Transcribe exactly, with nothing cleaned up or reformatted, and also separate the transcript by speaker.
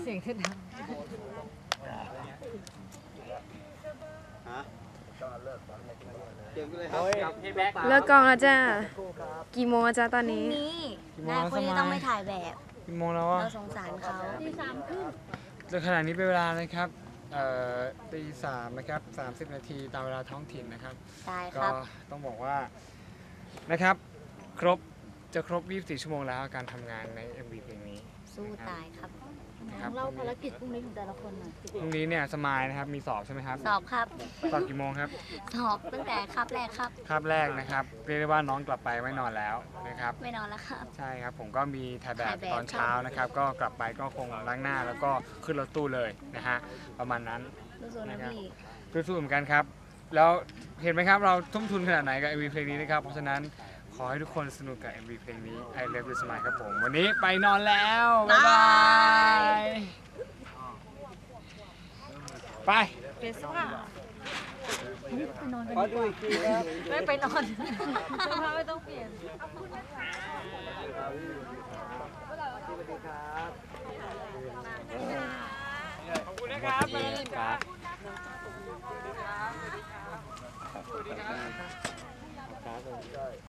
Speaker 1: เสียงคือดัง
Speaker 2: เลิกกองแล้วจ้ากี่โมงแล้วจ้าตอนนี้
Speaker 3: นี่นายคนนี้ต้องไม่ถ่ายแบบ
Speaker 4: กี่โมงแล้วอ่ะ
Speaker 3: เราสงสารเขาตีสามครึ่ง
Speaker 4: จนขณะนี้เป็นเวลานะครับเอ่อตีสามนะครับสามสิบนาทีตามเวลาท้องถิ่นนะครับ
Speaker 3: ได้ค
Speaker 4: ก็
Speaker 3: รับ
Speaker 4: ต้องบอกว่านะครับครบจะครบยี่สิบสี่ชั่วโมงแล้วการทำงานใน เอ็ม วี เพลงนี้
Speaker 3: สู้ตายครับ
Speaker 4: นะครับ
Speaker 1: เล่าภารกิจพรุ่งนี้ของแต่ละคนหน่อย
Speaker 4: พรุ่งนี้เนี่ยสมายนะครับมีสอบใช่ไหมครับ
Speaker 3: สอบครับ
Speaker 4: สอบกี่โมงครับ
Speaker 3: สอบตั้งแต่คาบแรกครับ
Speaker 4: คาบแรกนะครับเรียกได้ว่าน้องกลับไปไม่นอนแล้วนะครับ
Speaker 3: ไม่นอนแล้วครับ
Speaker 4: ใช่ครับผมก็มีถ่ายแบบ
Speaker 3: ถ่ายแบบ
Speaker 4: ตอนเช้านะครับ ก็กลับไปก็คงล้างหน้าแล้วก็ขึ้นรถตู้เลยนะฮะประมาณนั้น
Speaker 3: สู้ๆนะพี่
Speaker 4: สู้ๆเหมือนกันครับ แล้วเห็นไหมครับเราทุ่มทุนขนาดไหนกับ เอ็ม วี เพลงนี้นะครับเพราะฉะนั้นขอให้ทุกคนสนุกกับ เอ็ม วี เพลงนี้ I Love You Smile ครับผมวันนี้ไปนอนแล้วบ๊ายบายไป
Speaker 1: เปลี่ยนเสื้อผ้าไปนอนกันดีกว่าไม่ไปนอนเสื้อผ้าไม่ต้องเปลี่ยนขอบคุณนะคะ
Speaker 4: ขอบคุณนะครับ
Speaker 1: สวัสดีครับ
Speaker 4: สวัสดีครับ